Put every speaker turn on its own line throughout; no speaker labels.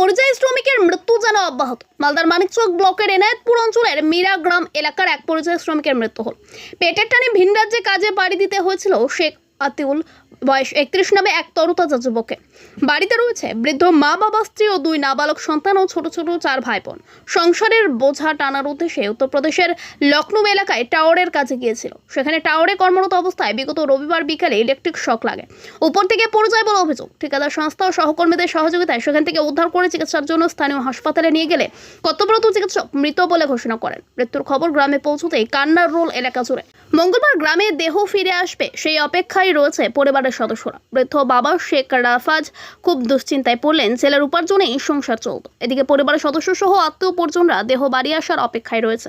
পরিযায়ী শ্রমিকের মৃত্যু যেন অব্যাহত। মালদার মানিকচক ব্লকের এনায়েতপুর অঞ্চলের মীরাগ্রাম এলাকার এক পরিযায়ী শ্রমিকের মৃত্যু হল। পেটের টানে ভিন রাজ্যে কাজে পাড়ি দিতে হয়েছিল শেখ আতিউল বয়স 31 নামে এক তরতাজা যুবককে। বাড়িতে রয়েছে বৃদ্ধ মা বাবা, স্ত্রী ও 2 নাবালক সন্তান ও ছোট ছোট 4 ভাই বোন। সংসারের বোঝা টানার উদ্দেশ্যে উত্তরপ্রদেশের লখনৌ এলাকায় টাওয়ারের কাছে গিয়েছিল। সেখানে টাওয়ারে কর্মরত অবস্থায় বিগত রবিবার বিকালে ইলেকট্রিক শক লাগে। উপর থেকে পড়ে যায় বলে অভিযোগ। ঠিকাদার সংস্থা ও সহকর্মীদের সহযোগিতায় সেখান থেকে উদ্ধার করে চিকিৎসার জন্য স্থানীয় হাসপাতালে নিয়ে গেলে কর্তব্যরত চিকিৎসক মৃত বলে ঘোষণা করেন। মৃত্যুর খবর গ্রামে পৌঁছতেই কান্নার রোল এলাকা জুড়ে। মঙ্গলবার গ্রামে দেহ ফিরে আসবে সেই অপেক্ষায় রয়েছে পরিবারের সদস্যরা। বৃদ্ধ বাবা শেখ রাফাজ খুব দুশ্চিন্তায় পড়লেন। ছেলের উপার্জনেই সংসার চলত। এদিকে পরিবারের সদস্য সহ আত্মীয় পরিজনরা দেহ বাড়ি আসার অপেক্ষায় রয়েছে।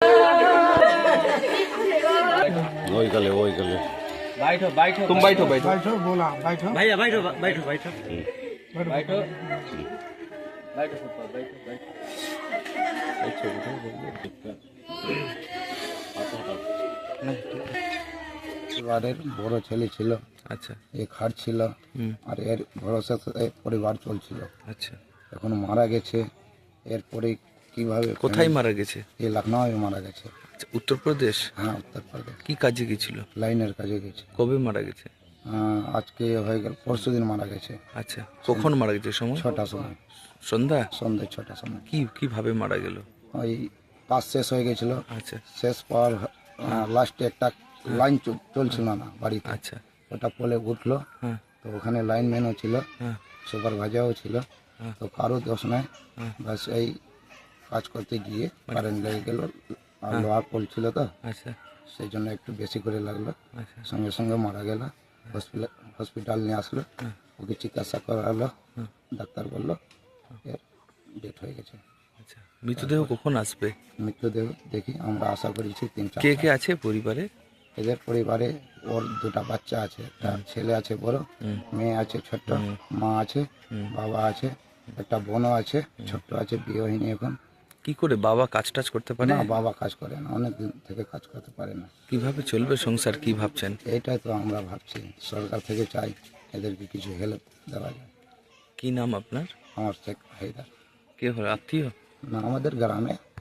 बैठो बैठो तुम बैठो बैठो
बैठो बोला बैठो
भैया बैठो बैठो बैठो बैठो बैठो
পরিবারের বড় ছেলে ছিল।
আচ্ছা
এ খাটছিল আর এর ভরসাতে পরিবার চলছিল।
আচ্ছা
এখন মারা গেছে। এরপরে কিভাবে
কোথায় মারা গেছে?
এ লখনউ মারা গেছে।
আচ্ছা উত্তরপ্রদেশ।
হ্যাঁ, উত্তরপ্রদেশ।
কি কাজে গেছিল?
লাইনের কাজে গেছে।
কবে মারা গেছে?
আজকে হয়ে গেল, পরশুদিন মারা গেছে।
আচ্ছা কখন মারা গেছে? সময়
6টার সময়,
সন্ধ্যা।
সন্ধ্যে 6টার সময়।
কিভাবে মারা গেল?
ওই কাজ শেষ হয়ে গেছিল।
আচ্ছা
শেষ পর লাস্টে একটা লাইন চলছিল না বাড়িতে।
আচ্ছা
ওটা পোলে উঠলো।
হ্যাঁ
তো ওখানে লাইনম্যানও ছিল,
হ্যাঁ
সুপারভাইজারও ছিল। তো কারো দোষ নাই, বাস এই কাজ করতে গিয়ে কারেন্ট লেগে গেল। আর লোহার পোল ছিল তো,
আচ্ছা
সেই জন্য একটু বেশি করে লাগলো।
আচ্ছা
সঙ্গে সঙ্গে মারা গেল। হসপিটাল নিয়ে আসলো, ওকে চিকিৎসা করালো। ডাক্তার বললো এর ডেথ হয়ে গেছে।
আচ্ছা মৃতদেহ কখন আসবে?
মৃত্যুদেহ দেখি আমরা আশা করেছি 3-4।
কে কে আছে পরিবারে?
এদের পরিবারে ওর 2টা বাচ্চা আছে। একটা ছেলে আছে বড়, মেয়ে আছে ছোট্ট, মা আছে, বাবা আছে, একটা বোনও আছে, ছোট্ট আছে, বিয়ে হয়নি এখন।
কি করে বাবা কাজ টাজ করতে পারে?
না, বাবা কাজ করে না, অনেক দিন থেকে কাজ করতে পারে না।
কিভাবে চলবে সংসার, কি ভাবছেন?
এইটাই তো আমরা ভাবছি, সরকার থেকে চাই এদেরকে কিছু হেল্প দেওয়া যায়।
কি নাম আপনার?
আমার শেখ হায়দার।
কে হলো আত্মীয়?
না, আমাদের গ্রামে